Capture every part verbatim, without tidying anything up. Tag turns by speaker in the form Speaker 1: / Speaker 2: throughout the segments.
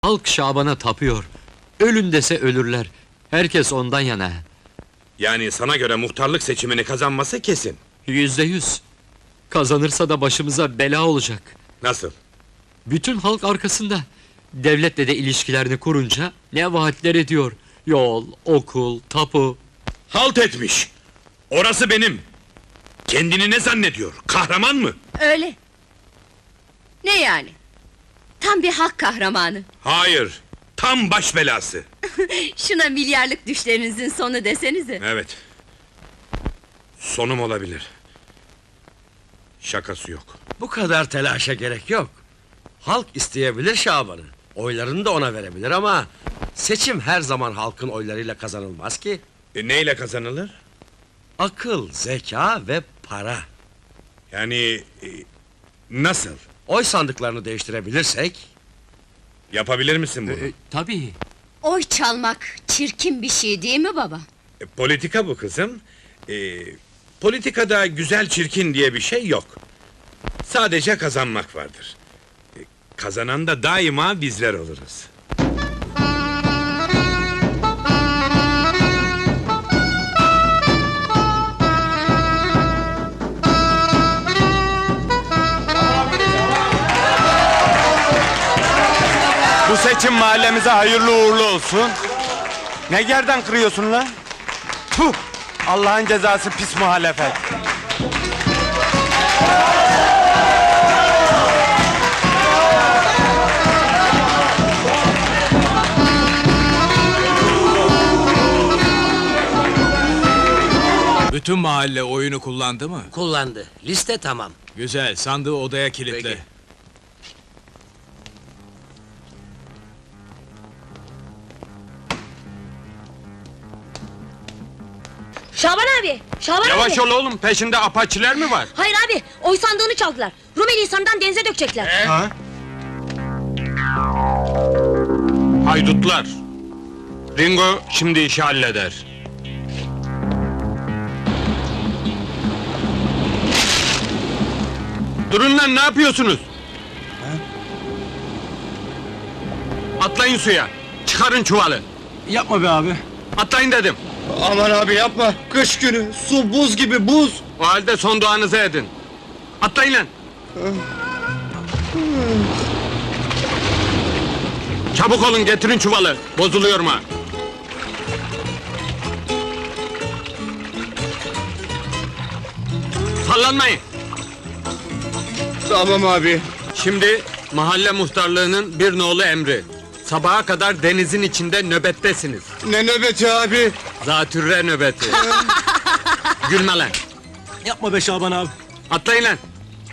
Speaker 1: Halk Şaban'a tapıyor. Ölün dese ölürler. Herkes ondan yana.
Speaker 2: Yani sana göre muhtarlık seçimini kazanması kesin.
Speaker 1: Yüzde yüz. Kazanırsa da başımıza bela olacak.
Speaker 2: Nasıl?
Speaker 1: Bütün halk arkasında. Devletle de ilişkilerini kurunca ne vaatler ediyor. Yol, okul, tapu.
Speaker 2: Halt etmiş! Orası benim! Kendini ne zannediyor? Kahraman mı?
Speaker 3: Öyle. Ne yani? Tam bir halk kahramanı.
Speaker 2: Hayır! Tam baş belası!
Speaker 3: Şuna milyarlık düşlerinizin sonu desenize.
Speaker 2: Evet. Sonum olabilir. Şakası yok.
Speaker 4: Bu kadar telaşa gerek yok. Halk isteyebilir Şaban'ı. Oylarını da ona verebilir ama... ...seçim her zaman halkın oylarıyla kazanılmaz ki.
Speaker 2: E, neyle kazanılır?
Speaker 4: Akıl, zeka ve para.
Speaker 2: Yani... e, nasıl?
Speaker 4: Oy sandıklarını değiştirebilirsek...
Speaker 2: Yapabilir misin bunu?
Speaker 1: E, tabii.
Speaker 3: Oy çalmak çirkin bir şey değil mi baba?
Speaker 2: E, politika bu kızım. E, politikada güzel çirkin diye bir şey yok. Sadece kazanmak vardır. E, kazanan da daima bizler oluruz.
Speaker 5: Bu seçim mahallemize hayırlı uğurlu olsun. Ne gerden kırıyorsun lan? Tuh! Allah'ın cezası pis muhalefet.
Speaker 6: Bütün mahalle oyunu kullandı mı?
Speaker 4: Kullandı. Liste tamam.
Speaker 6: Güzel, sandığı odaya kilitle.
Speaker 4: Peki.
Speaker 7: Şaban abi! Şaban
Speaker 5: Yavaş
Speaker 7: abi!
Speaker 5: ol oğlum, peşinde apaçiler mi var?
Speaker 7: Hayır abi! Oy sandığını çaldılar. Rumeli Hisarı'ndan denize dökecekler.
Speaker 5: Ha? Haydutlar! Ringo şimdi işi halleder. Durun lan, ne yapıyorsunuz? Atlayın suya, çıkarın çuvalı.
Speaker 8: Yapma be abi.
Speaker 5: Atlayın dedim.
Speaker 8: Aman abi yapma. Kış günü, su buz gibi buz.
Speaker 5: O halde son duanızı edin. Atlayın lan. Çabuk olun, getirin çuvalı. Bozuluyorum ha. Sallanmayın.
Speaker 8: Tamam abi.
Speaker 5: Şimdi mahalle muhtarlığının bir nolu emri. Sabaha kadar denizin içinde nöbettesiniz.
Speaker 8: Ne nöbeti abi?
Speaker 5: Zatürre nöbeti. Gülme lan.
Speaker 8: Yapma be Şaban abi.
Speaker 5: Atlayın lan.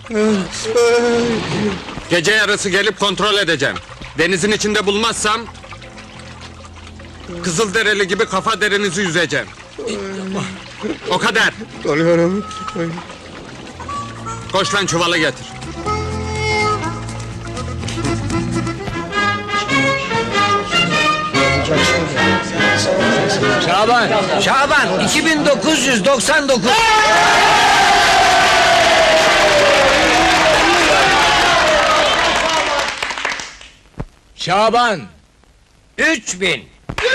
Speaker 5: Gece yarısı gelip kontrol edeceğim. Denizin içinde bulmazsam... ...Kızılderili gibi kafa derinizi yüzeceğim. O kadar.
Speaker 8: Tanıyorum.
Speaker 5: Koş lan, çuvalı getir.
Speaker 4: Şaban! Şaban! iki bin dokuz yüz doksan dokuz!
Speaker 6: Şaban!
Speaker 4: Üç bin!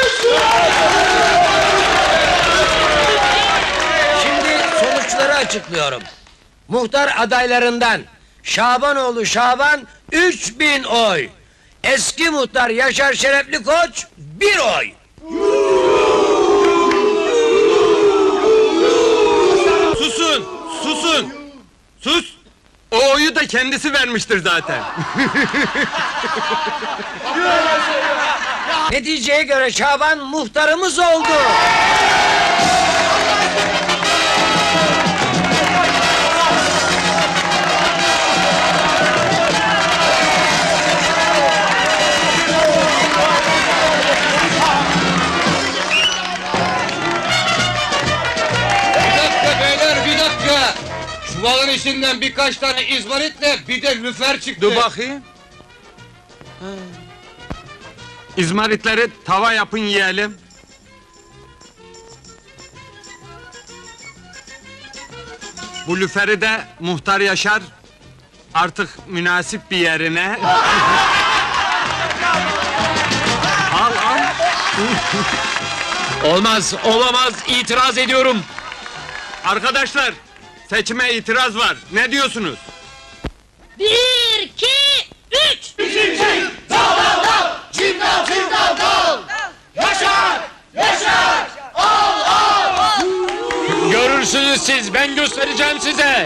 Speaker 4: Şimdi sonuçları açıklıyorum. Muhtar adaylarından Şabanoğlu Şaban üç bin oy. Eski muhtar Yaşar Şerefli Koç bir oy.
Speaker 5: Susun! Susun! Sus! O oyu da kendisi vermiştir zaten.
Speaker 4: Neticeye göre Şaban muhtarımız oldu.
Speaker 9: Bir dakika beyler, bir dakika! Çuvalın içinden birkaç tane izmaritle bir de lüfer çıktı.
Speaker 5: Dur bakayım. Ha. İzmaritleri tava yapın yiyelim. Bu lüferi de muhtar Yaşar artık münasip bir yerine
Speaker 1: Olmaz, olamaz, itiraz ediyorum.
Speaker 5: Arkadaşlar, seçime itiraz var. Ne diyorsunuz?
Speaker 7: Bir, iki, üç.
Speaker 1: Görürsünüz siz, ben göstereceğim size.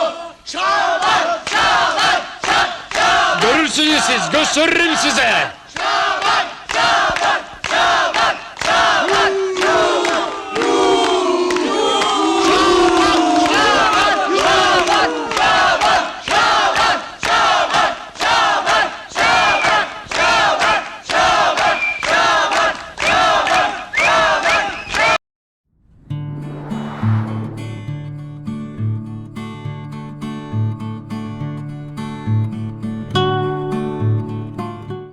Speaker 1: Görürsünüz siz, gösteririm size.